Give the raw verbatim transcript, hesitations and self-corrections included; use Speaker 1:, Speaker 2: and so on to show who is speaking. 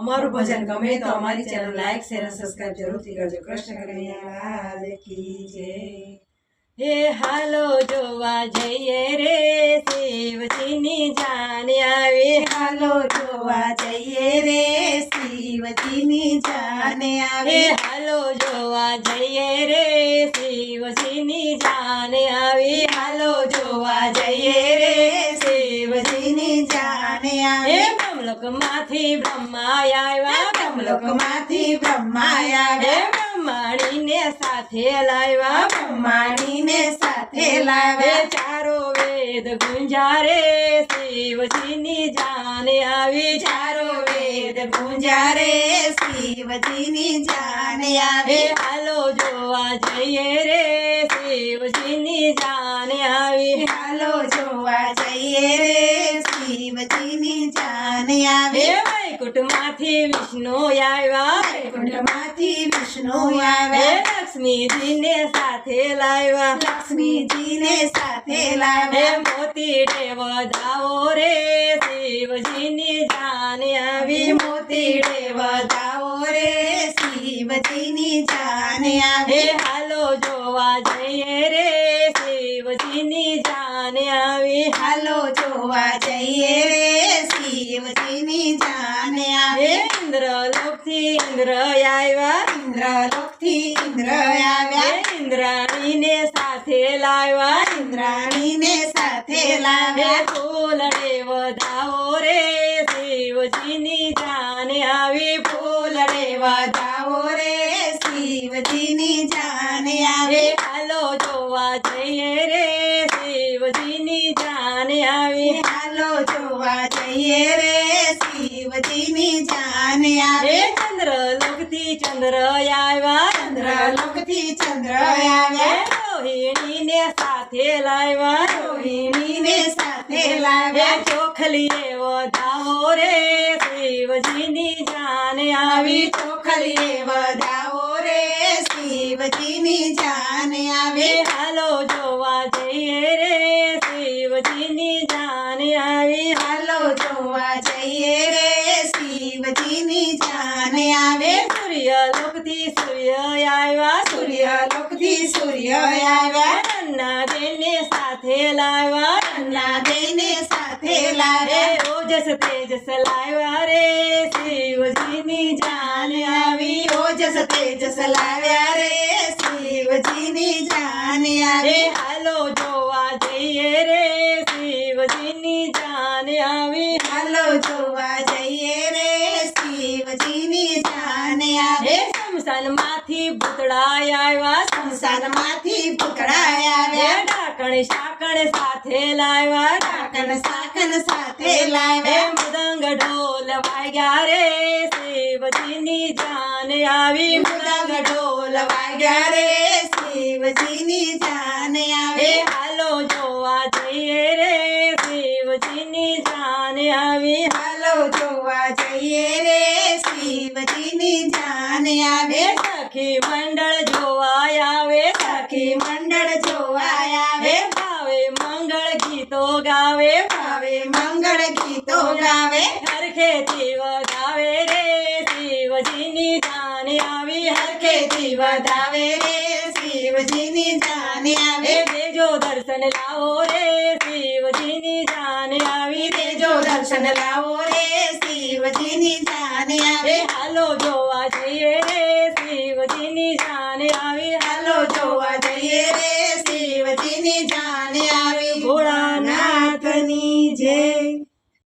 Speaker 1: અમારું ભજન ગમે તો અમારી ચેનલ લાઈક શેર અને સબસ્ક્રાઇબ જરૂરથી કરજો। કૃષ્ણ કનૈયા લાલ કી જય। હે હાલો જોવા જઈએ રે શિવજીની જાન આવી।
Speaker 2: હાલો જોવા જઈએ રે શિવજીની જાન
Speaker 1: હે
Speaker 2: આવી।
Speaker 1: હાલો જોવા જઈએ રે શિવજીની જાન આવી।
Speaker 2: હાલો જોવા જઈએ રે શિવજીની જાન
Speaker 1: હે
Speaker 2: આવી।
Speaker 1: બ્રહ્મલોકમાંથી બ્રહ્મા આવ્યા।
Speaker 2: બ્રહ્મલોકમાંથી બ્રહ્મા
Speaker 1: હે
Speaker 2: આવ્યા।
Speaker 1: બ્રહ્માણીને સાથે લાવ્યા।
Speaker 2: બ્રહ્માણીને સાથે
Speaker 1: હે
Speaker 2: લાવ્યા।
Speaker 1: ચારો વેદ ગુંજારે શિવજીની જાન આવી।
Speaker 2: ચારો વેદ ગુંજારે શિવજીની જાન
Speaker 1: હે
Speaker 2: આવી।
Speaker 1: હાલો જોવા જઈએ રે શિવજીની જાન આવી।
Speaker 2: હાલો જોવા જઈએ રે શિવજીની જાન
Speaker 1: હે
Speaker 2: આવી।
Speaker 1: વૈકુંઠમાંથી વિષ્ણુ આવ્યા।
Speaker 2: વૈકુંઠમાંથી વિષ્ણુ
Speaker 1: હે
Speaker 2: આવ્યા।
Speaker 1: લક્ષ્મીજીને સાથે લાવ્યા।
Speaker 2: લક્ષ્મીજીને સાથે
Speaker 1: હે
Speaker 2: લાવ્યા।
Speaker 1: મોતી વધાવો રે શિવજીની જાન આવી।
Speaker 2: મોતીડે વધાવો રે શિવજીની જાન
Speaker 1: હે
Speaker 2: આવી।
Speaker 1: હાલો જોવા જઈએ રે શિવજીની જાન આવી।
Speaker 2: હાલો જોવા જઈએ રે શિવજીની જાન
Speaker 1: હે
Speaker 2: આવી।
Speaker 1: ઇન્દ્રલોકથી ઇન્દ્ર આવ્યા।
Speaker 2: ઇન્દ્રલોકથી ઇન્દ્ર
Speaker 1: હે
Speaker 2: આવ્યા।
Speaker 1: ઇન્દ્રાણીને સાથે લાવ્યા।
Speaker 2: ઇન્દ્રાણીને સાથે
Speaker 1: હે
Speaker 2: લાવ્યા।
Speaker 1: ફૂલડે વધાવો રે શિવજીની જાન આવી।
Speaker 2: ફૂલડે વધાવો રે શિવજીની જાન
Speaker 1: હે
Speaker 2: આવી।
Speaker 1: હાલો જોવા જઈએ રે શિવજીની જાન આવી।
Speaker 2: હાલો જોવા જઈએ રે શિવજીની જાન
Speaker 1: હે
Speaker 2: આવી।
Speaker 1: ચંદ્રલોકથી ચંદ્ર આવ્યા।
Speaker 2: ચંદ્રલોકથી ચંદ્ર
Speaker 1: હે
Speaker 2: આવ્યા।
Speaker 1: રોહિણીને સાથે લાવ્યા।
Speaker 2: રોહિણીને સાથે
Speaker 1: હે
Speaker 2: લાવ્યા।
Speaker 1: ચોખલીએ વધાવો રે શિવજીની જાન આવી।
Speaker 2: ચોખલીએ વધાવો રે શિવજીની જાન
Speaker 1: હે
Speaker 2: આવી।
Speaker 1: હાલો જોવા જઈએ રે શિવજીની જાન આવી।
Speaker 2: હાલો જોવા જઈએ રે શિવજીની જાન
Speaker 1: હે
Speaker 2: આવી।
Speaker 1: સૂર્યલોકથી સૂર્ય આવ્યા।
Speaker 2: સૂર્યલોકથી સૂર્ય આવ્યા।
Speaker 1: નન્ના દેને સાથે લાવ્યા।
Speaker 2: ના દઈને સાથે
Speaker 1: હે
Speaker 2: લાવ્યા।
Speaker 1: ઓજસ તેજસ લાવ્યા રે શિવજીની જાન આવી।
Speaker 2: ઓજસ તેજસ લાવ્યા રે શિવજીની જાન
Speaker 1: હે
Speaker 2: આવી।
Speaker 1: હાલો જોવા જઈએ રે શિવજીની જાન આવી।
Speaker 2: હાલો જોવા જઈએ રે શિવજીની જાન
Speaker 1: હે
Speaker 2: આવી।
Speaker 1: શમશાનમાંથી ભૂતળા આવ્યા।
Speaker 2: શમશાનમાંથી ભૂતળા
Speaker 1: હે
Speaker 2: આવ્યા।
Speaker 1: ડાકણ શાકણ સાથે લાવ્યા।
Speaker 2: કાકન સાકન સાથે
Speaker 1: હે
Speaker 2: લાવ્યા।
Speaker 1: મૃદંગ ઢોલ વાગ્યા રે શિવજીની જાન આવી।
Speaker 2: મૃદંગ ઢોલ વાગ્યા રે શિવજીની જાન
Speaker 1: હે
Speaker 2: આવી।
Speaker 1: હાલો જોવા જઈએ રે શિવજીની જાન આવી।
Speaker 2: હાલો જોવા જઈએ રે શિવજીની જાન
Speaker 1: હે
Speaker 2: આવે।
Speaker 1: સખી મંડળ જોવા આવે।
Speaker 2: સખી મંડળ જોવા
Speaker 1: હે
Speaker 2: આવે।
Speaker 1: ભાવે મંગળ ગીતો ગાવે।
Speaker 2: ભાવે મંગળ ગીતો ગાવે।
Speaker 1: હરખેથી વધાવે રે શિવજીની જાન આવી।
Speaker 2: હરખેથી વધાવે રે શિવજીની જાન
Speaker 1: હે
Speaker 2: આવે।
Speaker 1: દેજો દર્શન લાવો રે શિવજીની જાન આવી।
Speaker 2: દેજો દર્શન લાવો રે શિવજીની જાન
Speaker 1: હે
Speaker 2: આવે।
Speaker 1: હાલો જોવા જઈએ